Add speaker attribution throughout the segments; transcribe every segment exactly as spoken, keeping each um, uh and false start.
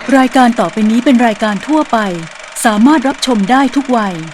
Speaker 1: รายการต่อไปนี้เป็นรายการทั่วไปสามารถรับชมได้ทุกวัย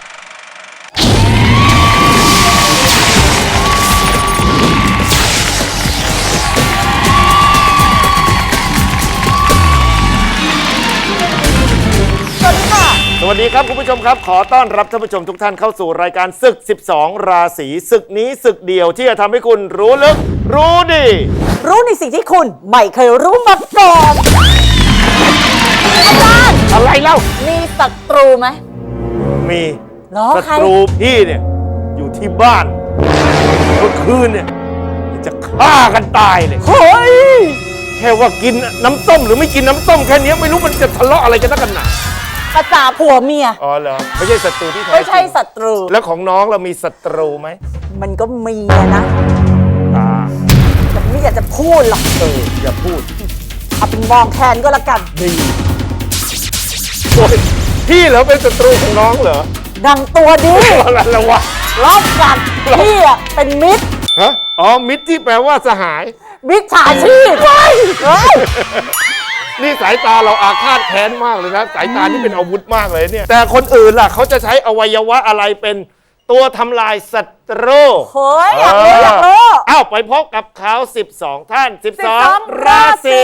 Speaker 2: สวัสดีครับคุณผู้ชมครับขอต้อนรับท่านผู้ชมทุกท่านเข้าสู่รายการศึกสิบสองราศีศึกนี้ศึกเดียวที่จะทำให้คุณรู้ลึกรู้ดี
Speaker 3: รู้ในสิ่งที่คุณไม่เคยรู้มาก่อนอาจารย์
Speaker 2: อะไรเล่า
Speaker 3: มีศัตรูไหม
Speaker 2: มี
Speaker 3: ศั
Speaker 2: ตรูพี่เนี่ยอยู่ที่บ้านเมื่อคืนเนี่ยจะฆ่ากันตายเลย
Speaker 3: เฮ้ย
Speaker 2: แค่ว่ากินน้ำส้มหรือไม่กินน้ำส้มแค่นี้ไม่รู้มันจะทะเลาะอะไรกันนักกันหนา
Speaker 3: ภาษาผัวเมีย
Speaker 2: อ๋อเหรอไม่ใช่ศัตรูที่แท้
Speaker 3: ไม่ใช่ศัตรู
Speaker 2: แล้วของน้องเรามีศัตรูไหม
Speaker 3: มันก็มีนะ
Speaker 2: อ่า
Speaker 3: แต่ไม่อยากจะพูดหรอก
Speaker 2: เอออย่าพูด
Speaker 3: เอาเป็นมองแทนก็แล้วกัน
Speaker 2: ดีโอ้ยพี่เหรอเป็นศัตรูของน้องเหรอ
Speaker 3: ดังตัวดี
Speaker 2: อะไรละวะ
Speaker 3: รอบกัดพี่อ่ะเป็นมิตร
Speaker 2: ฮะอ๋อมิตรที่แปลว่าสหาย
Speaker 3: มิตรฉาชีพเฮ้ย
Speaker 2: นี่สายตาเราอาฆาตแค้นมากเลยนะสายตานี่เป็นอาวุธมากเลยเนี่ยแต่คนอื่นล่ะเขาจะใช้อวัยวะอะไรเป็นตัวทำลายศัตรู
Speaker 3: เฮ้ยอยากรู้อยากรู้
Speaker 2: อ้าวไปพบกับเขาสิบสองท่านสิบสองราศี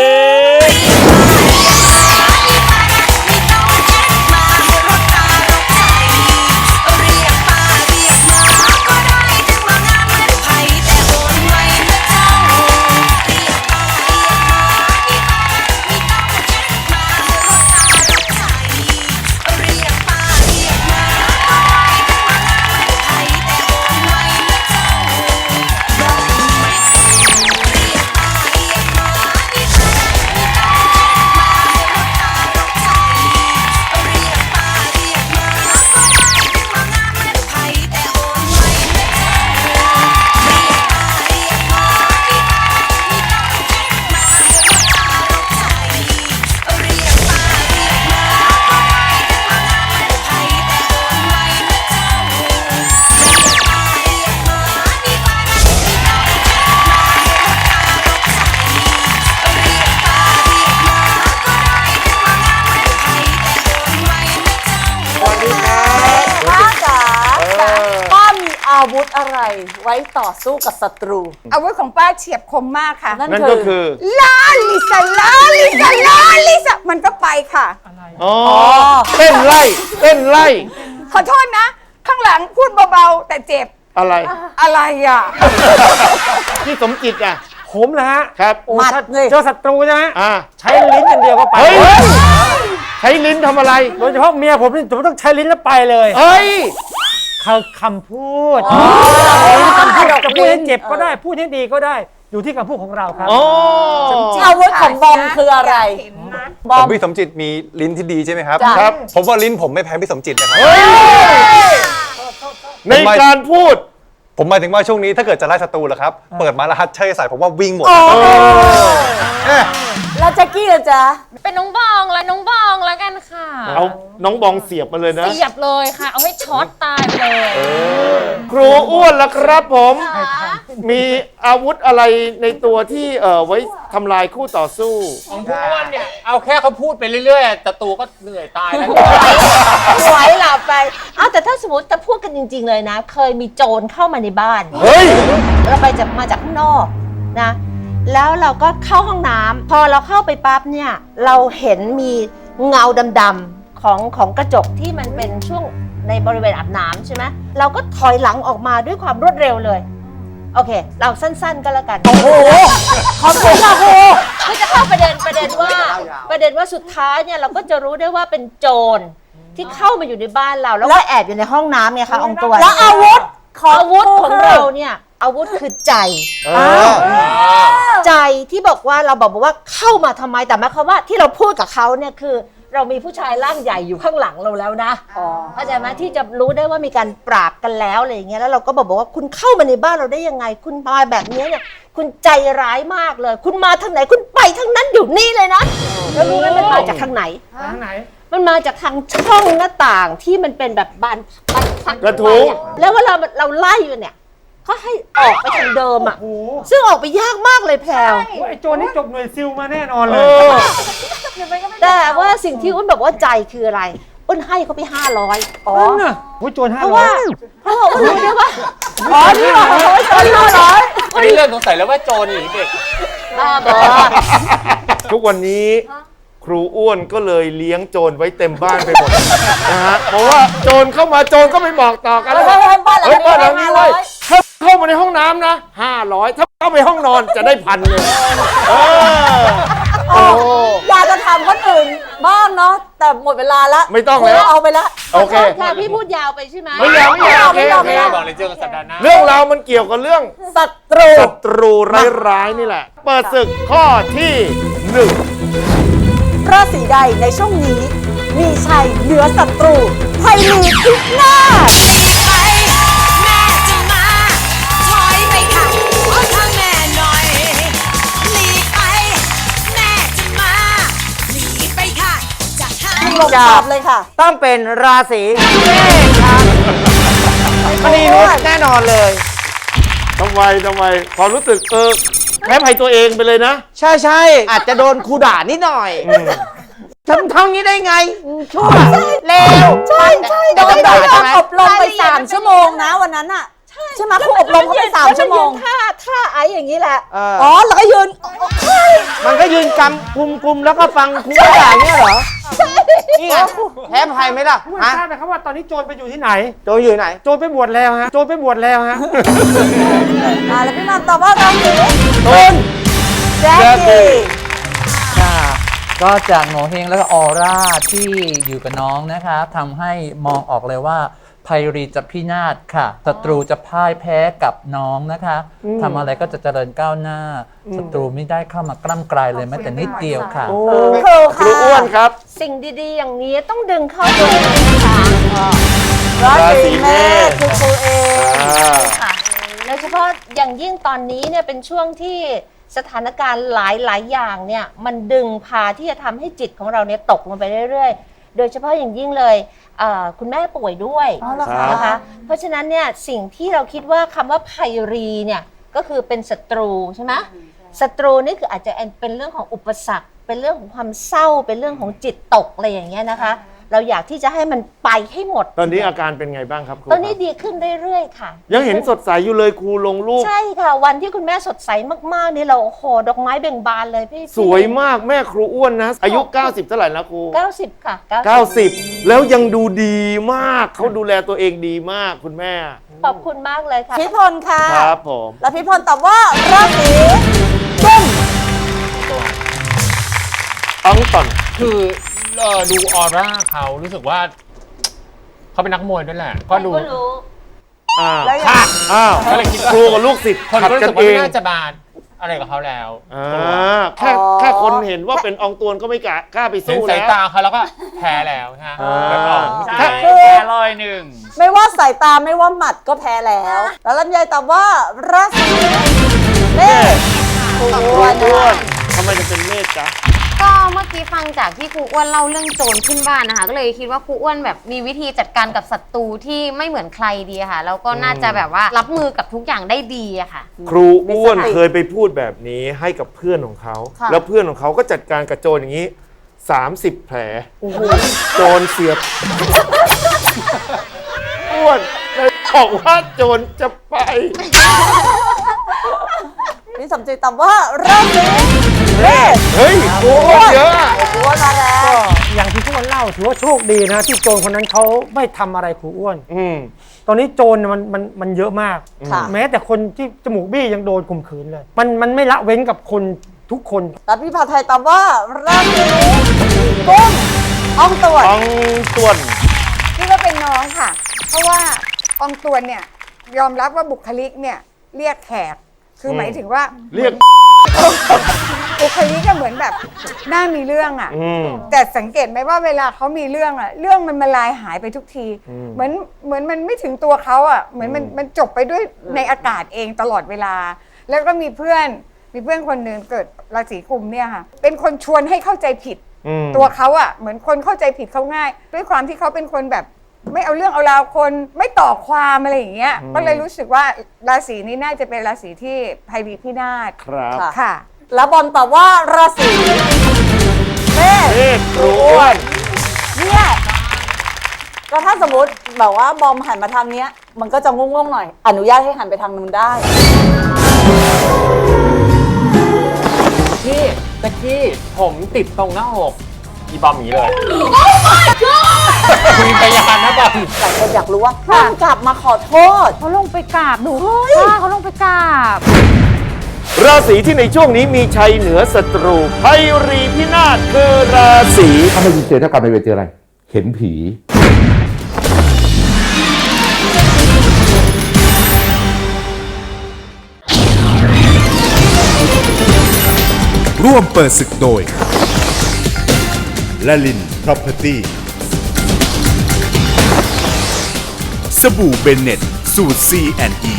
Speaker 3: อาวุธอะไรไว้ต่อสู้กับศัตรู
Speaker 4: อาวุธของป้าเฉียบคมมากค่ะ
Speaker 2: นั่นก็คือ
Speaker 4: ลาลิซาลาลิซาลาลิซามันก็ไปค่ะ
Speaker 2: อ๋อเต้นไล่เต้นไล่
Speaker 4: ขอโทษนะข้างหลังพูดเบาๆแต่เจ็บ
Speaker 2: อะไร
Speaker 4: อะไรอ่ะ
Speaker 2: พี่สมจิตอ่ะ
Speaker 5: ผมนะฮะ
Speaker 2: ครับ
Speaker 3: หมัด
Speaker 5: เจอศัตรูใช่ไหม
Speaker 2: อ่า
Speaker 5: ใช้ลิ้นอย่างเดียวก็ไป
Speaker 2: ใช้ลิ้นทำอะไร
Speaker 5: โดยเฉพาะเมียผมนี่ผมต้องใช้ลิ้นแล้วไปเลย
Speaker 2: เฮ้ย
Speaker 5: คำพูดจะพูดให้เจ็บก็ได้พูดให้ดีก็ได้อยู่ที่คำพูดของเราครับ
Speaker 3: อาวุธของบอมคืออะไร
Speaker 6: ผมพี่สมจิตมีลิ้นที่ดีใช่ไหมครับ
Speaker 2: ครับ
Speaker 6: ผมว่าลิ้นผมไม่แพ้พี่สมจิตนะครับ
Speaker 2: ในการพูด
Speaker 6: ผมหมายถึงว่าช่วงนี้ถ้าเกิดจะไล่ศัตรูเหรอครับเปิดมาแล้วฮัทเช่ใส่ผมว่าวิ่งหมด
Speaker 3: แล้วแจ็คกี้ล่ะจ๊ะ
Speaker 7: เป็นน้องบองและน้องบองแล้วกันค่ะ
Speaker 2: เอาน้องบองเสียบมาเลยนะ
Speaker 7: เสียบเลยค่ะเอาให้ช็อตตายไปเลย
Speaker 2: ครูอ้วนละครับผมมีอาวุธอะไรในตัวที่เอ่อไว้ทำลายคู่ต่อสู้
Speaker 5: ของครูอ้วนเนี่ยเอาแค่เขาพูดไปเรื่อยๆศัตรูก็เหนื่อยตายแล้ว
Speaker 3: ไหวหลับไปเอาแต่ถ้าสมมติจะพูดกันจริงๆเลยนะเคยมีโจรเข้ามาในบ้าน
Speaker 2: เฮ้ย
Speaker 3: เราไปจากมาจากข้างนอกนะแล้วเราก็เข้าห้องน้ำพอเราเข้าไปปั๊บเนี่ยเราเห็นมีเงาดำๆของของกระจกที่มันเป็นช่วงในบริเวณอาบน้ำใช่ไหมเราก็ถอยหลังออกมาด้วยความรวดเร็วเลยโอเคเราสั้นๆก็แล้วกันโอ้โหขอบคุณค่ะครูก็จะเข้าประเด็นประเด็นว่าประเด็นว่าสุดท้ายเนี่ยเราก็จะรู้ได้ว่าเป็นโจรที่เข้ามาอยู่ในบ้านเราแล้วก็แอบอยู่ในห้องน้ำเนี่ยค่ะองตัวแล้วอาวุธอาวุธของเราเนี่ยอาวุธคือใจใจที่บอกว่าเราบอกว่าเข้ามาทำไมแต่หมายความว่าที่เราพูดกับเขาเนี่ยคือเรามีผู้ชายร่างใหญ่อยู่ข้างหลังเราแล้วนะเข้าใจไหมที่จะรู้ได้ว่ามีการปราบกันแล้วอะไรอย่างเงี้ยแล้วเราก็บอกว่าคุณเข้ามาในบ้านเราได้ยังไงคุณมาแบบนี้เนี่ยคุณใจร้ายมากเลยคุณมาทางไหนคุณไปทางนั้นอยู่นี่เลยนะแล้วรู้ไหมมันมาจากทางไหน
Speaker 5: ทางไหน
Speaker 3: มันมาจากทางช่องหน้าต่างที่มันเป็นแบบบานบานพัก
Speaker 2: กระทุ้ง
Speaker 3: แล้วเวลาเราไล่อยู่เนี่ยเขาให้ออกไปทางเดิมอ่ะซึ่งออกไปยากมากเลยแพรว
Speaker 5: ไอ้โจรนี่จบหน่วยซิลมาแน่นอนเลย
Speaker 4: เดี๋ยวมันก็ไม่
Speaker 3: แต่ว่าสิ่งที่อุ้นบอกว่าใจคืออะไรอุ้นให้เขาไปห้าร้อยอ๋อ
Speaker 5: นั่นน่ะโอ้ยโจรห้า
Speaker 3: เพราะ
Speaker 5: ร้อ
Speaker 3: ว่าย เพราะว่าอุ้นรู้ได้ว่า
Speaker 5: อ๋อนี่เหรอ
Speaker 3: โจรห้าร้อย
Speaker 8: อันนี้เริ่มสงสัยแล้วว่าโจรหรือเด็ก
Speaker 3: บ้าบอ
Speaker 2: ทุกวันนี้ครูอ้วนก็เลยเลี้ยงโจรไว้เต็มบ้านไปหมดนะฮะเพราะว่าโจรเข้ามาโจรก็ไม่บอกต่อกันแล้ว
Speaker 3: เฮ้ยบ้านหลัง
Speaker 2: เฮ้ยบ้านหลัง
Speaker 3: นี้
Speaker 2: นี้
Speaker 3: ห้าร้
Speaker 2: เว้
Speaker 3: อย ย
Speaker 2: ถ้าเข้ามาในห้องน้ำนะห้าร้อยถ้าเข้าไปห้องนอนจะได้พันเลยเออโอ้
Speaker 4: อยากจะถามคนอื่นบ้างเนาะแต่หมดเวลาแล้ว
Speaker 2: ไม่ต้องแล้ว
Speaker 4: ครูเอาไปแล้ว
Speaker 2: โอเค
Speaker 3: ค่ะพี่พูดยาวไปใช่ไหม
Speaker 2: ไม่ยาวไม่ยาวโอเคโอเค
Speaker 8: บอกเลยเจอกันสัปดาห์หน้า
Speaker 2: เรื่องราวมันเกี่ยวกับเรื่อง
Speaker 4: ศัตรู
Speaker 2: ศัตรูร้ายๆนี่แหละ เปิดศึกข้อที่หนึ่ง
Speaker 4: ราศีใดในช่วงนี้ มีชัยเหนือศัตรูภัยมีพินาศ
Speaker 9: ไปแม่จะมาถอยไปค่ะขอทางแม่หน่อยหลีกไปแม่จะมาหลีกไปค่ะจะหา
Speaker 4: ลงตอบเลยค่ะ
Speaker 5: ต้องเป็นราศีเมษครับมณีนุชแน่นอนเลย
Speaker 2: ทำไมทำไมความรู้สึกเออแพ้ภัยตัวเองไปเลยนะ
Speaker 5: ใช่ใช่อาจจะโดนครูด่านิดหน่อยทำทำงี้ได้ไงชั่วเลว
Speaker 4: ใช่ใช่
Speaker 5: โดนด่าใช่ไหม
Speaker 4: อบรมไปสามชั่วโมงนะวันนั้นอะใช่ไหมครูอบรมเขาไปสามชั่วโมง
Speaker 3: ท่าท่าไอ้อย่างนี้แหละ
Speaker 5: เออ
Speaker 4: อ๋อแล้วก็ยืน
Speaker 5: มันก็ยืนกำกุมกุมแล้วก็ฟังครูด่าเนี่ยเหรอ นี่ไงแพ้ภัยไหมล่ะฮะทราบไหมครับว่าตอนนี้โจรไปอยู่ที่ไหน โจรอยู่ไหน โจรไปบวชแล้วฮะ โจรไปบวชแล้วฮะ
Speaker 4: อ่าแล้วพี่มัมตอบว่าราศี
Speaker 5: ตุล
Speaker 4: แจ็คกี้
Speaker 10: ค่ะก็จากโงเฮงแล้วก็ออร่าที่อยู่กับน้องนะคะทำให้มองออกเลยว่าภัยรีจะพินาศค่ะศัตรูจะพ่ายแพ้กับน้องนะคะทำอะไรก็จะเจริญก้าวหน้าศัตรูไม่ได้เข้ามากล้ำกลายเลยแม้แต่นิดเดียวค่ะ
Speaker 4: ครู
Speaker 2: ครู
Speaker 4: ค่ะ
Speaker 2: อ้วนครับ
Speaker 3: สิ่งดีๆ อย่างนี้ต้องดึงเข้าตัวเองนะคะ
Speaker 4: รา
Speaker 2: ราศี
Speaker 4: ศี
Speaker 2: เม
Speaker 4: เม
Speaker 2: ษ
Speaker 4: ษคือครูเอง
Speaker 2: อ่า
Speaker 3: ค่ะโดยเฉพาะอย่างยิ่งตอนนี้เนี่ยเป็นช่วงที่สถานการณ์หลายๆอย่างเนี่ยมันดึงพาที่จะทำให้จิตของเราเนี่ยตกลงไปเรื่อยๆ โดยเฉพาะอย่างยิ่งเลยเอ่อคุณแม่ป่วยด้วย
Speaker 4: อ๋อเหรอคะ
Speaker 3: นะคะ เพราะฉะนั้นเนี่ยสิ่งที่เราคิดว่าคำว่าภัยรีเนี่ยก็คือเป็นศัตรูใช่ไหมศัตรูนี่คืออาจจะเป็นเรื่องของอุปสรรค เป็นเรื่องของความเศร้าเป็นเรื่องของจิตตกอะไรอย่างเงี้ยนะคะ เราอยากที่จะให้มันไปให้หมด
Speaker 2: ตอนนี้อาการเป็นไงบ้างครับครู
Speaker 3: ตอนนี้
Speaker 2: ครับ
Speaker 3: ดีขึ้นเรื่อยๆค่ะ
Speaker 2: ยังเห็นสดใสอยู่เลยครูลงรูป
Speaker 3: ใช่ค่ะ วันที่คุณแม่สดใสมากๆนี่เราโอ้โหดอกไม้เบ่งบานเลยพี่
Speaker 2: สวยมากแม่ครูอ้วนนะ อายุ เก้าสิบเท่าไหร่แล้วครู
Speaker 3: เก้าสิบค่ะ
Speaker 2: เก้าสิบแล้วยังดูดีมากเขาดูแลตัวเองดีมากคุณแม่
Speaker 3: ขอบคุณมากเลยค่ะ
Speaker 4: พี่พลค่ะ
Speaker 2: ครับผม
Speaker 4: แล้วพี่พลตอบว่าราศีตุ้ม
Speaker 2: ต้องต่อน
Speaker 8: คือเอ่อดูออร่าเขารู้สึกว่าเขาเป็นนักมวยด้วยแหละ ก็ดู
Speaker 3: ก็รู้
Speaker 2: อ้าว
Speaker 4: แล้วยัง
Speaker 2: ค่ะอ้าว
Speaker 8: ก็เลยคิดว่า
Speaker 2: ครูกับลูกศิษย์
Speaker 8: คน
Speaker 2: ขัด
Speaker 8: ก็รู้
Speaker 2: กัน
Speaker 8: สึกว่า
Speaker 2: เอง
Speaker 8: ไม่น่าจะบาดอะไรกับเขาแล้ว
Speaker 2: อ่าแค่แค่คนเห็นว่าเป็นอองตวนก็ไม่กล้ากล้าไป
Speaker 8: เห็น
Speaker 2: สู้
Speaker 8: สาย
Speaker 2: แล้ว
Speaker 8: ตาเขาแล้วก็แพ้แล้วฮะ
Speaker 2: อ่า
Speaker 8: แล้วก็
Speaker 2: ใช่
Speaker 8: ใช่
Speaker 4: คือ
Speaker 8: แพ้ร้อยหนึ่ง
Speaker 4: ไม่ว่าสายตาไม่ว่าหมัดก็แพ้แล้ว แล้วลำไยตอบว่าราศีเมษครู
Speaker 2: ครู
Speaker 4: อ้วน
Speaker 2: อ้ว
Speaker 4: นะ
Speaker 2: นทำไมจะเป็นเมฆจ๊ะ
Speaker 7: ก็เมื่อกี้ฟังจากที่ครูอ้วนเล่าเรื่องโจรขึ้นบ้านนะคะ ก็เลยคิดว่าครูอ้วนแบบมีวิธีจัดการกับศัตรูที่ไม่เหมือนใครดีอะค่ะ แล้วก็น่าจะแบบว่ารับมือกับทุกอย่างได้ดีอะค่ะ
Speaker 2: ครูอ้วนเคยไปพูดแบบนี้ให้กับเพื่อนของเขา แล้วเพื่อนของเขาก็จัดการกับโจรอย่างนี้ สามสิบ แผลโจรเสียบอ้วนเลยบอกว่าโจรจะไป
Speaker 4: พี่สมจิตตอบว่าราศีเมษ
Speaker 2: เฮ้ยครูอ้วนเยอะอะ
Speaker 4: ครูอ้วนมาแล้ว
Speaker 5: อย่างที่ครูอ้วนเล่าถือว่าโชคดีนะที่โจรคนนั้นเขาไม่ทำอะไรครูอ้วน
Speaker 2: อืม
Speaker 5: ตอนนี้โจรเนี่ยมันมันมันเยอะมาก
Speaker 4: ค่ะ
Speaker 5: แม้แต่คนที่จมูกบี้ยังโดนข่มขืนเลย มันมันไม่ละเว้นกับคนทุกคน
Speaker 4: แล้วพี่พาไทยตอบว่าราศีกุมอองตวน
Speaker 2: อองตวน
Speaker 11: นี่ก็เป็นน้องค่ะ เพราะว่าอองตวนเนี่ยยอมรับว่าบุคลิกเนี่ยเรียกแขก คือหมายถึงว่า
Speaker 2: เรียก
Speaker 11: บุคลิกก็เหมือนแบบน่ามีเรื่องอ่ะ
Speaker 2: อืม
Speaker 11: แต่สังเกตไหมว่าเวลาเขามีเรื่องอ่ะ เรื่องมันมาลายหายไปทุกที
Speaker 2: อืม
Speaker 11: เหมือนเหมือนมันไม่ถึงตัวเขาอ่ะ เหมือนมันมันจบไปด้วยในอากาศเองตลอดเวลา แล้วก็มีเพื่อนมีเพื่อนคนหนึ่งเกิดราศีกุมเนี่ยค่ะ เป็นคนชวนให้เข้าใจผิด
Speaker 2: อืม
Speaker 11: ตัวเขาอะเหมือนคนเข้าใจผิดเขาง่าย ด้วยความที่เขาเป็นคนแบบ ไม่เอาเรื่องเอาราวคนไม่ต่อความอะไรอย่างเงี้ยก็เลยรู้สึกว่าราศีนี้น่าจะเป็นราศีที่ภัยรีพินาศ
Speaker 2: ครับ
Speaker 11: ค่ะ
Speaker 4: แล้วบอลตอบว่าราศีเมษ
Speaker 2: เมฆ
Speaker 4: มมติแบบว่าบอมหันมาทางเนี้ย มันก็จะงงๆหน่อย อนุญาตให้หันไปทางนู้นได้
Speaker 8: พี่ตะกี้ผมติดตรงหน้าอกอีบอมอย่างนี้เลย มีพยานนะบอม
Speaker 4: หลายคนอยากรู้ว่าบอมกลับมาขอโทษ
Speaker 7: เขาลงไปกราบหนูค่ะเขาลงไปกราบ
Speaker 2: ราศีที่ในช่วงนี้มีชัยเหนือศัตรูภัยรีพินาศคือราศี
Speaker 12: ถ้าไม่เจอเท่ากับไม่เจออะไร เห็นผี
Speaker 13: ร่วมเปิดศึกโดยละลิน Property สบู่เบนเน็ตสูตร ซี แอนด์ อี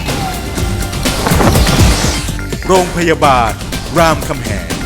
Speaker 13: โรงพยาบาลรามคำแหง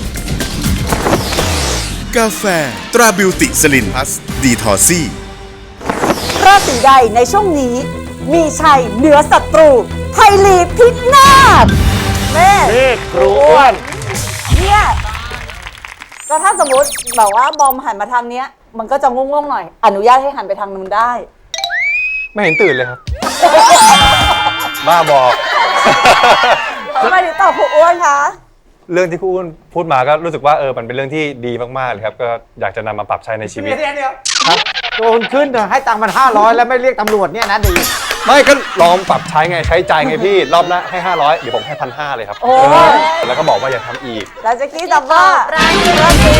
Speaker 13: กาแฟตราบิวติสลินพัสดีทอซี่
Speaker 4: ราศีใดในช่วงนี้มีชัยเหนือศัตรูไทยลีพินาศแม่
Speaker 2: เมฆครูอ้วน
Speaker 4: เนี่ยก็ถ้าสมมติแบบว่าบอมหันมาทางเนี้ย มันก็จะงงๆหน่อย อนุญาตให้หันไปทางนู้นได้
Speaker 6: ไม่เห็นตื่นเลยครับ บ้าบอก
Speaker 4: ทำไมถึงตอบครูอ้วนคะ
Speaker 6: เรื่องที่ครูอ้วนพูดมาก็รู้สึกว่าเออมันเป็นเรื่องที่ดีมากๆเลยครับก็อยากจะนำมาปรับใช้ในชีวิต
Speaker 5: เดี๋ยวเดี๋ยวโดนขึ้นเถอะให้ตังค์มันห้าร้อยแล้วไม่เรียกตำรวจเนี่ยนะดี
Speaker 6: ไม่ก็ลองปรับใช้ไงใช้ใจไงพี่ รอบละให้ห้าร้อยเดี๋ยวผมให้พันห้าเลยครับ
Speaker 4: โอ้
Speaker 6: เออแล้วก็บอกว่าอย่าทำอีก
Speaker 4: แล้วแจะกี้ตอบว่าราศีราศี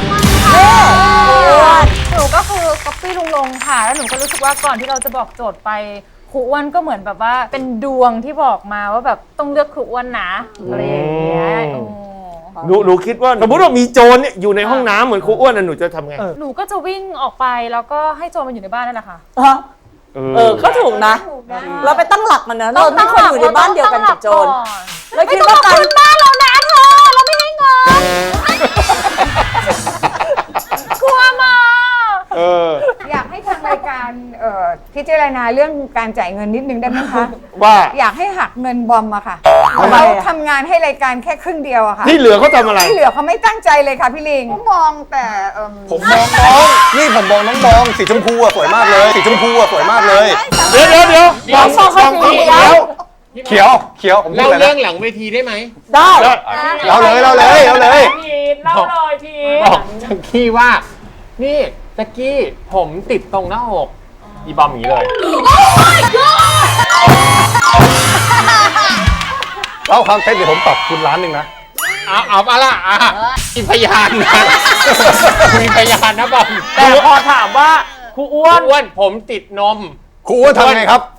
Speaker 14: หนูก็คือก๊อปปี้ลุงลงค่ะแล้วหนูก็รู้สึกว่าก่อนที่เราจะบอกโจทย์ไปครูอ้วนก็เหมือนแบบว่าเป็นดวงที่บอกมาว่าแบบต้องเลือกครูอ้วนนะอะไรอย่างเงี้ย
Speaker 2: หนูหนูคิดว่าสมมติว่ามีโจรเนี่ยอยู่ในห้องน้ำเหมือนครูอ้วนน่ะหนูจะทำไง
Speaker 14: หนูก็จะวิ่งออกไปแล้วก็ให้โจรมันอยู่ในบ้านนั่นแหละค่ะ
Speaker 4: เออก็ถูกนะ เราไปตั้งหลักมันนะเราไม่ควรอยู่ในบ้านเดียวกันกับโจรแล้วคิดว่าการบ้านเรานะเธอเราไม่ให้เงิน
Speaker 14: กลัวมา
Speaker 2: เออ
Speaker 11: อยากให้ทางรายการเอ่อพิจารณาเรื่องการจ่ายเงินนิดนึงได้ไหมคะ
Speaker 2: ว่า
Speaker 11: อยากให้หักเงินบอมอะค่ะ
Speaker 2: ทำไม
Speaker 11: เขา
Speaker 2: อะ
Speaker 11: ทำงานให้รายการแค่ครึ่งเดียวอะค่ะ
Speaker 2: ที่เหลือเขาทำอะไร
Speaker 11: ที่เหลือเขาไม่ตั้งใจเลยค่ะพี่ลิงมองแต่เอิ่ม
Speaker 6: ผมมองน้องนี่ผมมองน้องบองสีชมพูอะสวยมากเลยสีชมพูอะสวยมากเลย
Speaker 2: เดี๋ยวเดี๋ยวเดี๋ยวมองมองเขาสีเขียว
Speaker 6: เขียวเขียวผม
Speaker 8: เล่า
Speaker 6: พูดลยนะ
Speaker 8: เรื่องหลังเวทีได้ไหม
Speaker 4: ได้
Speaker 6: เราเลยเราเลยเราเลย
Speaker 14: เล่าเลยพี
Speaker 8: บอกจักกี้ว่า นี่จักกี้ผมติดตรงหน้าอกอีบอมอย่างนี้เลย
Speaker 6: เล่าความเท็จเดี๋ยวผมปรับคุณล้านหนึ่งนะ
Speaker 8: เอาเอาปะล่ะอ่ะมีพยานนะมีพยานนะบอม
Speaker 5: แต่พอถามว่าครูอ้วน
Speaker 8: อ้วนผมติดนม
Speaker 6: ครูอ้วนทำไงครับ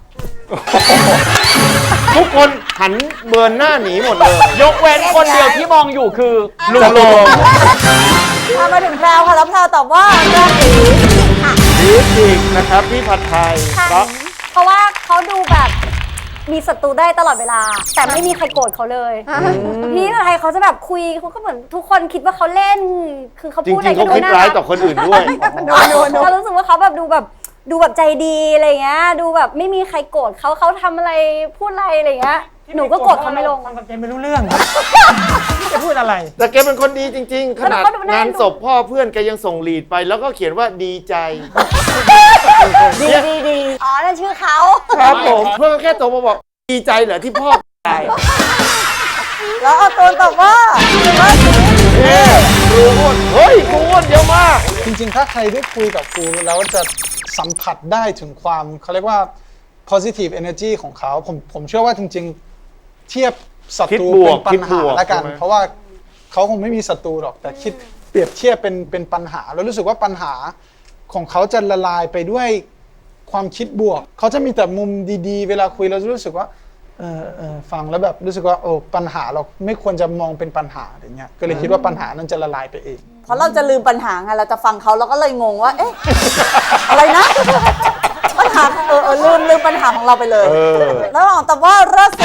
Speaker 2: ทุกคนหันเบิร์นหน้าหนีหมดเลย
Speaker 5: ยกเว้นคนเดียวที่มองอยู่คือ
Speaker 2: ลุงโลง
Speaker 4: ถ้ามาถึงแพรวค่ะแล้วแพรวตอบว่าราศี
Speaker 2: ดีจริงนะครับพี่ผัดไทยเพราะ
Speaker 15: เพราะว่าเขาดูแบบมีศัตรูได้ตลอดเวลา แต่ไม่มีใครโกรธเขาเลยพี่ผัดไทยเขาจะแบบคุยเขาก็เหมือนทุกคนคิดว่าเขาเล่น คือเขา
Speaker 2: จริ
Speaker 15: พูดอะไร
Speaker 2: งๆเขา
Speaker 15: ก็ดู
Speaker 2: คิด
Speaker 15: น่า
Speaker 2: ร้าย
Speaker 15: รัก
Speaker 2: ต่อคนอื่นด้วย
Speaker 15: เรารู้สึกว่าเขาแบบดูแบบดูแบบใจดีอะไรเงี้ยดูแบบไม่มีใครโกรธเขาเขาทำอะไรพูดอะไรอะไรเงี้ยหนูก็โกรธเขาไม่ลง
Speaker 5: ฟังกับแกไม่รู้เรื่องจะพูดอะไร
Speaker 2: แต่แกเป็นคนดีจริง ๆ ขนาด
Speaker 15: แล้วก็ดูน่าเอ็
Speaker 2: งาน
Speaker 15: นดู
Speaker 2: ศพพ่อเพื่อนแกยังส่งลีดไป แล้วก็เขียนว่าดีใจ
Speaker 15: ดีดีดีอ๋อนั่นชื่อเขา
Speaker 2: ครับผมเพื่อนก็แค่โทรมาบอกดีใจเหรอที่พ่อตาย
Speaker 4: แล้วเอาตัวตอบว่าราศี
Speaker 2: เฮ้ยครูอ้วนเฮ้ยครูอ้วนเยอะมาก
Speaker 16: จริงๆ ถ้าใครได้คุยกับครูแล้วจะสัมผัสได้ถึงความเขาเรียกว่า positive energy ของเขาผมผมเชื่อว่าจริงๆ เทียบศัตรู
Speaker 2: คิดบว
Speaker 16: เป็
Speaker 2: ก
Speaker 16: นปัญหา
Speaker 2: คิดบวก
Speaker 16: ละกัน
Speaker 2: ใช่ไหม
Speaker 16: เพราะว่าเขาคงไม่มีศัตรูหรอก แต่คิดเปรียบเทียบเป็นเป็นปัญหา แล้วรู้สึกว่าปัญหาของเขาจะละลายไปด้วยความคิดบวก เขาจะมีแต่มุมดีๆ เวลาคุยเราจะรู้สึกว่าเออเออฟังแล้วแบบรู้สึกว่าโอ้ปัญหาเราไม่ควรจะมองเป็นปัญหาอย่างเงี้ยก็เลยคิดว่าปัญหานั้นจะละลายไปเอง
Speaker 4: เพราะเราจะลืมปัญหาไงเราจะฟังเขาเราก็เลยงงว่า เอ๊ะ อะไรนะ ปัญหาเออเออลืมลืมปัญหาของเราไปเลย
Speaker 2: เออ
Speaker 4: แล้วลองตอบว่าราศี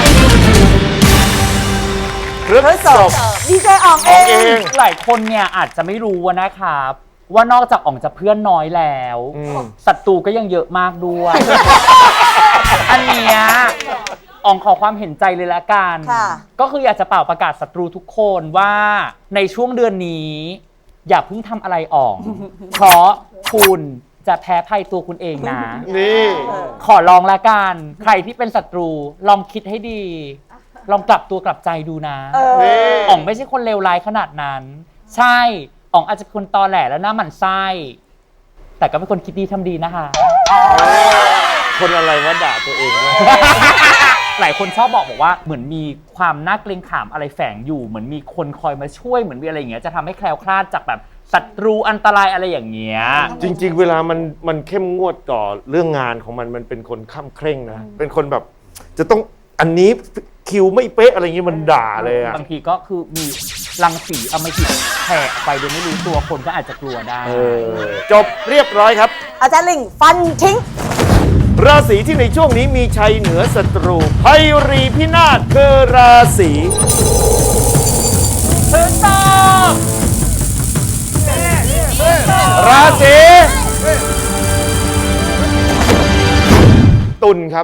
Speaker 2: พฤษภ
Speaker 4: ดีเจอ่องเอง
Speaker 5: หลายคนเนี่ยอาจจะไม่รู้นะครับว่านอกจากอ่องจะเพื่อนน้อยแล้วศัตรูก็ยังเยอะมากด้วย อันเนี้ยอ่องขอความเห็นใจเลยละกัน
Speaker 4: ค่ะ
Speaker 5: ก็คืออยากจะเป่าประกาศศัตรูทุกคนว่าในช่วงเดือนนี้ อย่าเพิ่งทำอะไรอ่อง เพราะคุณจะแพ้ภัยตัวคุณเองนะ
Speaker 2: นี่
Speaker 5: ขอลองละกัน ใครที่เป็นศัตรูลองคิดให้ดี ลองกลับตัวกลับใจดูนะ
Speaker 2: นี่
Speaker 5: อ๋องไม่ใช่คนเลวร้ายขนาดนั้น ใช่อ๋องอาจจะเป็นคนตอแหลและหน้าหมันไส้แต่ก็เป็นคนคิดดีทำดีนะคะ
Speaker 2: คนอะไรวะด่าตัวเองวะ
Speaker 5: หลายคนชอบบอกบอกว่าเหมือนมีความน่าเกรงขามอะไรแฝงอยู่เหมือนมีคนคอยมาช่วยเหมือนมีอะไรอย่างเงี้ยจะทำให้แคล้วคลาดจากแบบศัตรูอันตรายอะไรอย่างเงี้ย
Speaker 2: จริง ๆ เวลามันมันเข้มงวดต่อเรื่องงานของมันมันเป็นคนข้ามเคร่งนะเป็นคนแบบจะต้องอันนี้คิวไม่เป๊ะอะไรอย่างงี้มันด่าเลยอะ
Speaker 5: บางทีก็คือมีรังสีเอามาหิดแผ่ไปโดยไม่รู้ตัวคนก็อาจจะกลัวได้
Speaker 2: จบเรียบร้อยครับ
Speaker 4: อาจารย์ลิงฟันทิ้ง
Speaker 2: ราศีที่ในช่วงนี้มีชัยเหนือศัตรูภัยรีพินาศคือราศีถึงต้องราศีตุลครับ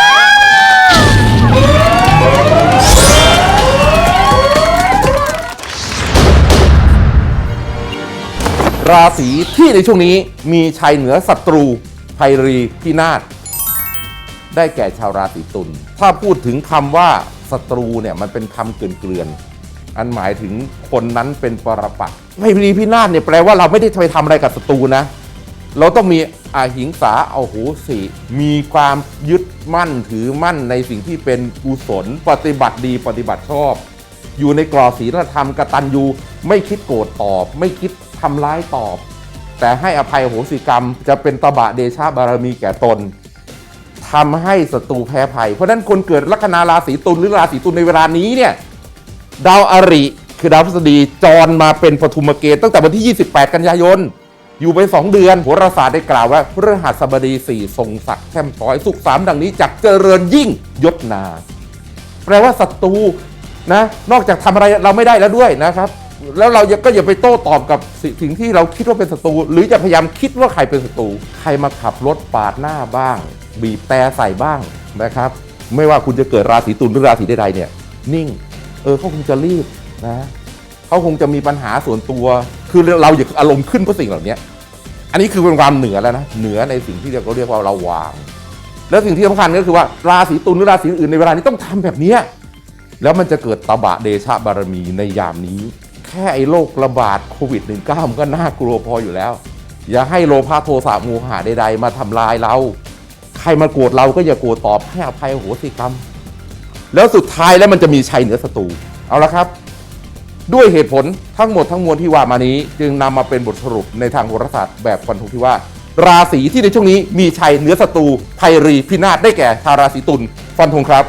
Speaker 12: ราศีที่ในช่วงนี้มีชัยเหนือศัตรูภัยรีพินาศได้แก่ชาวราศีตุลถ้าพูดถึงคำว่าศัตรูเนี่ยมันเป็นคำเกลื่อนๆอันหมายถึงคนนั้นเป็นปรปักษ์ภัยรีพินาศเนี่ยแปลว่าเราไม่ได้ไปทำอะไรกับศัตรูนะเราต้องมีอาหิงสาเอาโหสิมีความยึดมั่นถือมั่นในสิ่งที่เป็นกุศลปฏิบัติดีปฏิบัติชอบอยู่ในกรอบศีลธรรมกตัญญูไม่คิดโกรธตอบไม่คิดทำร้ายตอบแต่ให้อภัยโหสิกรรมจะเป็นตบะเดชะบารมีแก่ตนทำให้ศัตรูแพ้ภัยเพราะฉะนั้นคนเกิดลัคนาราศีตุลหรือราศีตุลในเวลานี้เนี่ยดาวอริคือดาวพฤหัสบดีจรมาเป็นปฐุมเกณฑ์ตั้งแต่วันที่ยี่สิบแปดกันยายนอยู่ไปสองเดือนโหราศาสตร์ได้กล่าวว่าพฤหัสบดีสี่ทรงศักดิ์แช่มช้อยสุขสามดังนี้จักเจริญยิ่งยศนาแปลว่าศัตรูนะนอกจากทำอะไรเราไม่ได้แล้วด้วยนะครับแล้วเราก็อย่าไปโต้ตอบกับสิ่งที่เราคิดว่าเป็นศัตรูหรือจะพยายามคิดว่าใครเป็นศัตรูใครมาขับรถปาดหน้าบ้างบีบแต่ใส่บ้างนะครับไม่ว่าคุณจะเกิดราศีตุลหรือราศีใดๆเนี่ยนิ่งเออเขาคงจะรีบนะเขาคงจะมีปัญหาส่วนตัวคือเราอย่าอารมณ์ขึ้นเพราะสิ่งเหล่านี้อันนี้คือเป็นความเหนือแล้วนะเหนือในสิ่งที่เราเรียกว่าเราวางแล้วสิ่งที่สำคัญก็คือว่าราศีตุลหรือราศีอื่นในเวลานี้ต้องทำแบบนี้แล้วมันจะเกิดตบะเดชะบารมีในยามนี้แค่ไอ้โรคระบาดโควิด สิบเก้า มันก็น่ากลัวพออยู่แล้วอย่าให้โลภะโทสะโมหะใดๆมาทำลายเราใครมาโกรธเราก็อย่าโกรธตอบให้อภัยโหสิกรรมแล้วสุดท้ายแล้วมันจะมีชัยเหนือศัตรูเอาละครับด้วยเหตุผลทั้งหมดทั้งมวลที่ว่ามานี้จึงนำมาเป็นบทสรุปในทางโหราศาสตร์แบบฟันธงที่ว่าราศีที่ในช่วงนี้มีชัยเหนือศัตรูภัยรีพินาศได้แก่ชาวราศีตุลฟันธงครับ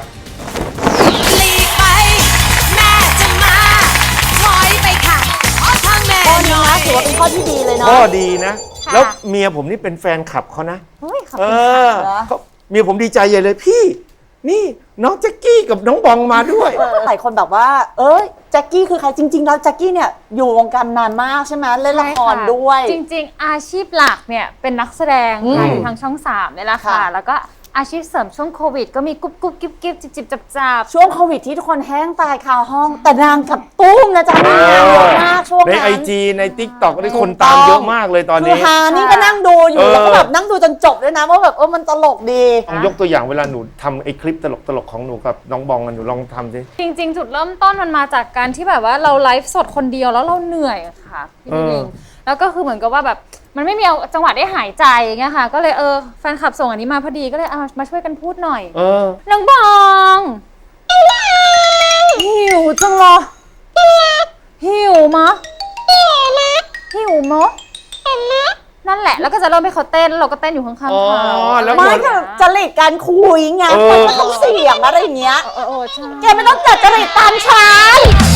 Speaker 4: ถือว่าเป็นข้อที่ดีเลยเนาะ
Speaker 2: ข้อดีนะ แล้วเมียผมนี่เป็นแฟนคลับเขานะ
Speaker 4: เฮ้ยขอบ
Speaker 2: เอ
Speaker 4: คุณ
Speaker 2: อ
Speaker 4: ค่ะ
Speaker 2: เขาเมียผมดีใจใหญ่เลยพี่ นี่น้องแจ็คกี้กับน้องบองมาด้วย
Speaker 4: หลายคนแบบว่า เอ้ยแจ็คกี้คือใครจริงๆแล้วแจ็คกี้เนี่ยอยู่วงการนานมากใช่ไหมเล่นละครด้วย
Speaker 14: จริงๆ อาชีพหลักเนี่ยเป็นนักแสดง
Speaker 4: อืม
Speaker 14: ค่ะอยู่ทางช่องสามนี่แหละค่ะ
Speaker 4: ค่ะ
Speaker 14: แล้วก็อาชีพเสริมช่วงโควิด ก็มีกุ๊บกุ๊บกิ๊บกิ๊บจิบจิบจับจับ
Speaker 4: ช่วงโควิดที่ทุกคนแห้งตายคาห้อง แต่นางกับตุ้มนะจ๊ะนางงานเยอะมากช่วง
Speaker 2: ใน
Speaker 4: นั้น
Speaker 2: ไอจีในทิกตอกนี่คนตามเยอะมากเลยตอน
Speaker 4: คื
Speaker 2: นี้
Speaker 4: อฮานี่ก็นั่งดูอยู่
Speaker 2: เออ
Speaker 4: แล้วก็แบบนั่งดูจนจบด้วยนะว่าแบบเออมันตลกดี
Speaker 2: ลองยกตัวอย่างเวลาหนูทำไอคลิปตลกตลกๆของหนูกับน้องบองกันหนูลองทำสิ
Speaker 14: จริงๆ จุดเริ่มต้นมันมาจากการที่แบบว่าเราไลฟ์สดคนเดียวแล้วเราเหนื่อยอะค่ะพี่
Speaker 2: เออ
Speaker 14: ลิงแล้วก็คือเหมือนกับว่าแบบมันไม่มีเอาจังหวะได้หายใจอย่างเงี้ยค่ะ ก็เลยเออแฟนคลับส่งอันนี้มาพอดีก็เลยเอามาช่วยกันพูดหน่อย
Speaker 2: เออ
Speaker 14: น้องบองหิวจังเลยหิวมะหิวมะนั่นแหละแล้วก็จะเริ่มให้เขาเต้นแล้วเราก็เต้นอยู่ข้างๆเขา
Speaker 4: ไม่คือจริตการคุยไง
Speaker 14: เออ
Speaker 4: มันก็ต้องเสียงอะไรอย่างเงี้ย
Speaker 14: เออเออใช่
Speaker 4: แกไม่ต้องจัดจริตตามฉัน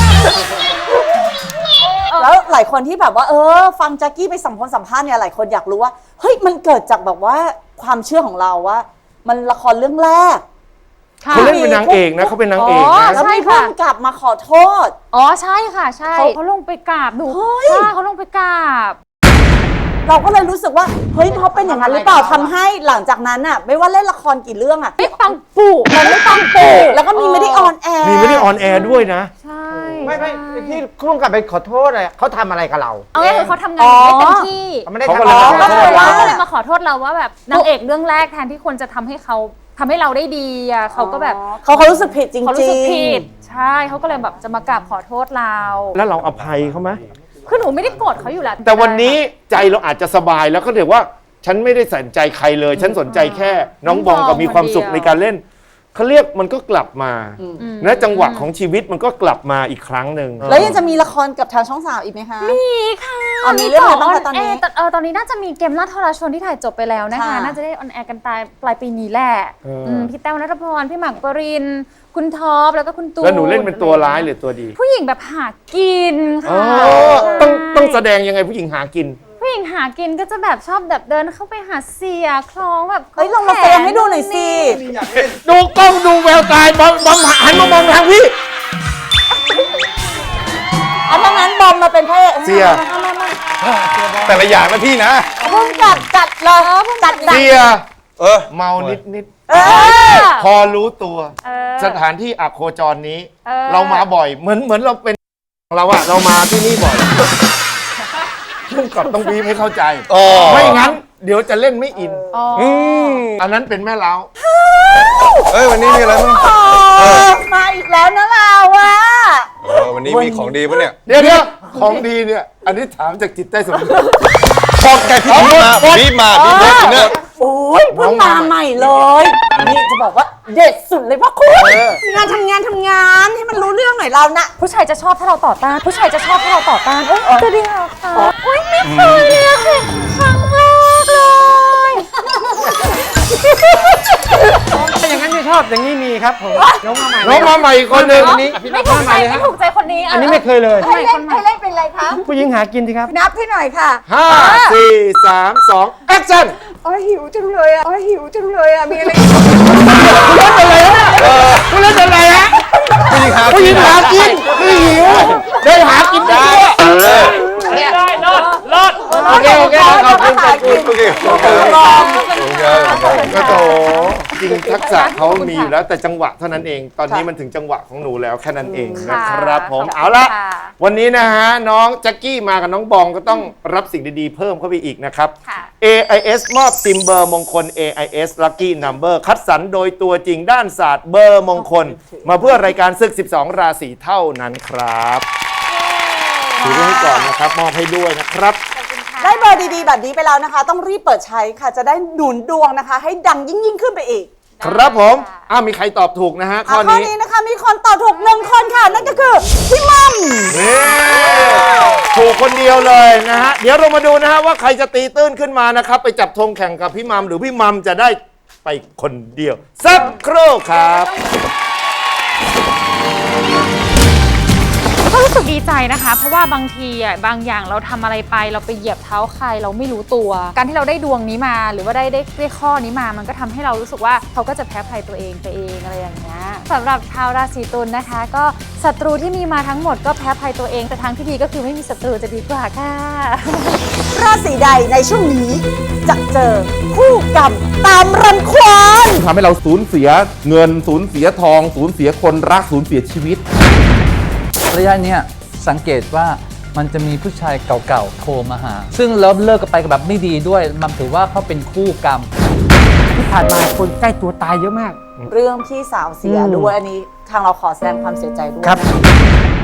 Speaker 4: แล้วหลายคนที่แบบว่าเออฟังแจ็คกี้ไปสัมภาษณ์สัมภาษณ์เนี่ยหลายคนอยากรู้ว่าเฮ้ยมันเกิดจากแบบว่าความเชื่อของเราว่า มันละครเรื่องแรก
Speaker 2: เขาเล่นเป็นนางเอกนะเขาเป็นนางเอกนะ
Speaker 4: แล้วมีผู้กำกับมาขอโทษ
Speaker 14: อ๋อใช่ค่ะใช่เขาเขาลงไปกราบหนูใช่เขาลงไปกราบ
Speaker 4: เราก็เลยรู้สึกว่าเฮ้ยเขาเป็นอย่างนั้นหรือเปล่าทำให้หลังจากนั้นอ่ะไม่ว่าเล่นละครกี่เรื่องอ่ะไม่ปังปูมันไม่ปังปูแล้วก็มีไม่ได้ออนแอร์
Speaker 2: มีไม่ได้ออนแอร์ด้วยนะ
Speaker 14: ใช่
Speaker 17: ไม่ไม่ที่ร่วมกับไปขอโทษอะไรเขาทำอะไรกับเรา
Speaker 14: เอาง่ายคือเขาทำงานอยู่ไม่เต็มที่
Speaker 17: เขาไม่ได้
Speaker 2: เขา
Speaker 17: ทำ
Speaker 2: ก็เลย
Speaker 17: อะไร
Speaker 2: มา
Speaker 14: ก็
Speaker 2: ขอ
Speaker 14: เลย
Speaker 2: โทษ
Speaker 14: ว่าก็เลยมาขอโทษเราว่าแบบนางเอกเรื่องแรกแทนที่ควรจะทำให้เขาทำให้เราได้ดีอ่ะเขาก็แบบ
Speaker 4: เขาเขารู้สึกผิดจริงๆ
Speaker 14: เขารู้สึกผิดใช่เขาก็เลยแบบจะมากราบขอโทษเรา
Speaker 2: แล้วเราอภัยเขาไหม
Speaker 14: คือหนูไม่ได้โกรธเขาอยู่แล้ว
Speaker 2: แต่วันนี้ใจเราอาจจะสบายแล้วก็เรียกว่า ฉันไม่ได้สนใจใครเลย ฉันสนใจแค่น้องบองกับมีความสุขในการเล่นเขาเรียกมันก็กลับมาและจังหวะของชีวิตมันก็กลับมาอีกครั้งหนึ่ง
Speaker 4: แล้วยังจะมีละครกับทางช่องสามอีกไหมคะ
Speaker 14: มีค่ะ
Speaker 4: อ๋อมีเรื่องอะไรบ้างคะตอนนี้
Speaker 14: เเออตอนนี้น่าจะมีเกมล่าทรชนที่ถ่ายจบไปแล้วนะคะ
Speaker 4: ค่ะ
Speaker 14: น่าจะได้ออนแอร์กันปลายปลายปีนี้แหละ
Speaker 2: เอออื
Speaker 14: มพี่แต้วนัทพรพี่หมากปรินคุณท็อปแล้วก็คุณตูน
Speaker 2: แล้วหนูเล่นเป็นตัวร้ายหรือตัวดี
Speaker 14: ผู้หญิงแบบหากิน
Speaker 2: อ๋อ
Speaker 14: ค่ะ
Speaker 2: ต้องต้องแสดงยังไงผู้หญิงหากิน
Speaker 14: ผู้หญิงหากินก็จะแบบชอบแบบเดินเข้าไปหาเสียคล้องแบบ
Speaker 4: เฮ้ยลองมาแสดงให้ดูหน่อยสิ
Speaker 2: ดูกล้องดูแววตาบอมบอมหันมามองทางพี่
Speaker 4: เอาดังนั้นบอมมาเป็นพระเอก
Speaker 2: เสีย
Speaker 6: แต่ละอย่างนะพี่นะ
Speaker 4: พุ่งจัดจัดเลยจัดหนัก
Speaker 2: เสีย
Speaker 6: เออ
Speaker 2: เมานิดนิด
Speaker 4: เออ
Speaker 2: พอรู้ตัว
Speaker 14: เออ
Speaker 2: สถานที่อักโคจรนี้
Speaker 14: เออ
Speaker 2: เรามาบ่อยเหมือนเหมือนเราเป็นเราอะเรามาที่นี่บ่อยพุ่งกับต้องวีบให้เข้าใจ
Speaker 6: อ๋อ
Speaker 2: ไม่งั้น เดี๋ยวจะเล่นไม่อิน
Speaker 14: อ๋อ
Speaker 2: อืมอันนั้นเป็นแม่เล้า
Speaker 6: เอ้ยวันนี้มีอะไรบ้าง
Speaker 4: เออมาอีกแล้วนะเราอะ
Speaker 6: เออวันนี้มีของดีปะเนี่ย
Speaker 2: เดี๋ยวเดี๋ยวของดีเนี่ย อันนี้ถามจากจิตใต้สำนึก
Speaker 6: บอกแกพี่บีบมาบีบมาบีบมาอินเนอร์
Speaker 4: โอ้ยเพิ่งมาใหม่เลย นี่จะบอกว่าเด็ดสุดเลยพ่อคุณงานทำงานทำงานให้มันรู้เรื่องหน่อยเรานะ
Speaker 14: ผู้ชายจะชอบถ้าเราต่อต้าน ผู้ชายจะชอบถ้าเราต่อต้านเอ้ยจะดีเหรอคะโอ้ยไม่เคยเลยอะค่ะครั้งแรกเลย
Speaker 17: ถ้าอย่างนั้นไม่ชอบอย่างนี้มีครับผมน้องมาใหม่
Speaker 2: น้องมาใหม่อีกคนหนึ่ง
Speaker 17: อันนี้
Speaker 14: ไม่ถูกใจไม่ถูกใจคนนี้ะ
Speaker 17: อันนี้ไม่เคยเลย
Speaker 14: ทำไมคนใหม่
Speaker 11: ให้เล่นเป็นอะไรคะ
Speaker 17: ผู้หญิงหากินสิครับ
Speaker 11: นับให้หน่อยค่ะ
Speaker 2: ห้าสี่สามสองแอคชั่น
Speaker 11: อ๋อหิวจังเลยอ่ะอ๋อหิวจังเลยอ่ะ มีอะไร
Speaker 2: คุณเล่นอะไรฮะผู้หญิงหากินไม่หิวได้หากินได้ได้รอดรอดโอเคโอเคขอบคุณขอบคุณโอเคโอเคก็โตจริงทักษะเขามีอยู่แล้วแต่จังหวะเท่านั้นเอง ตอนนี้มันถึงจังหวะของหนูแล้วแค่นั้นเองนะครับผมเอาละวันนี้นะฮะน้องแจ็คกี้มากับน้องบองก็ต้องรับสิ่งดีๆเพิ่มเข้าไปอีกนะครับ เอ ไอ เอส มอบซิมเบอร์มงคล เอ ไอ เอส Lucky Number คัดสรรโดยตัวจริงด้านศาสตร์เบอร์มงคล มาเพื่อรายการศึก สิบสอง ราศีเท่านั้นครับถือไว้ให้ก่อนนะครับ มอบให้ด้วยนะครับ
Speaker 4: ได้เบอร์ดีๆแบบนี้ไปแล้วนะคะ ต้องรีบเปิดใช้ค่ะ จะได้หนุนดวงนะคะ ให้ดังยิ่งยิ่งๆขึ้นไปอีก
Speaker 2: ครับผมอ้าวมีใครตอบถูกนะฮะ ข้อ
Speaker 4: อ่ะข้อ
Speaker 2: นี้
Speaker 4: นี้นะคะมีคนตอบถูกหนึ่งคนค่ะ นั่นก็คือพี่มัม
Speaker 2: นี่ถูกคนเดียวเลยนะฮะ เดี๋ยวเรามาดูนะฮะว่าใครจะตีตื้นขึ้นมานะครับ ไปจับธงแข่งกับพี่มัมหรือพี่มัมจะได้ไปคนเดียว สักครู่ครับ
Speaker 14: ก็รู้สึกดีใจนะคะ เพราะว่าบางทีอ่ะบางอย่างเราทำอะไรไปเราไปเหยียบเท้าใครเราไม่รู้ตัว การที่เราได้ดวงนี้มา หรือว่าได้ได้ได้ข้อนี้มา มันก็ทำให้เรารู้สึกว่าเขาก็จะแพ้ภัยตัวเองไปเองอะไรอย่างเงี้ยสำหรับชาวราศีตุลนะคะ ก็ศัตรูที่มีมาทั้งหมดก็แพ้ภัยตัวเองแต่ทางที่ดีก็คือไม่มีศัตรูจะดีกว่าค่ะ
Speaker 4: ราศีใดในช่วงนี้จะเจอคู่กรรมตามรังควาน
Speaker 12: ทำให้เราสูญเสียเงินสูญเสียทองสูญเสียคนรักสูญเสียชีวิต
Speaker 10: ระยะเนี้ยสังเกตว่ามันจะมีผู้ชายเก่าๆโทรมาหา ซึ่งเลิกเลิกกันไปแบบไม่ดีด้วย มันถือว่าเขาเป็นคู่กรรม
Speaker 17: ที่ผ่านมาคนใกล้ตัวตายเยอะมาก
Speaker 4: เรื่องพี่สาวเสียด้วยอันนี้ทางเราขอแสดงความเสียใจด้วย
Speaker 17: ครับ
Speaker 4: นะคะ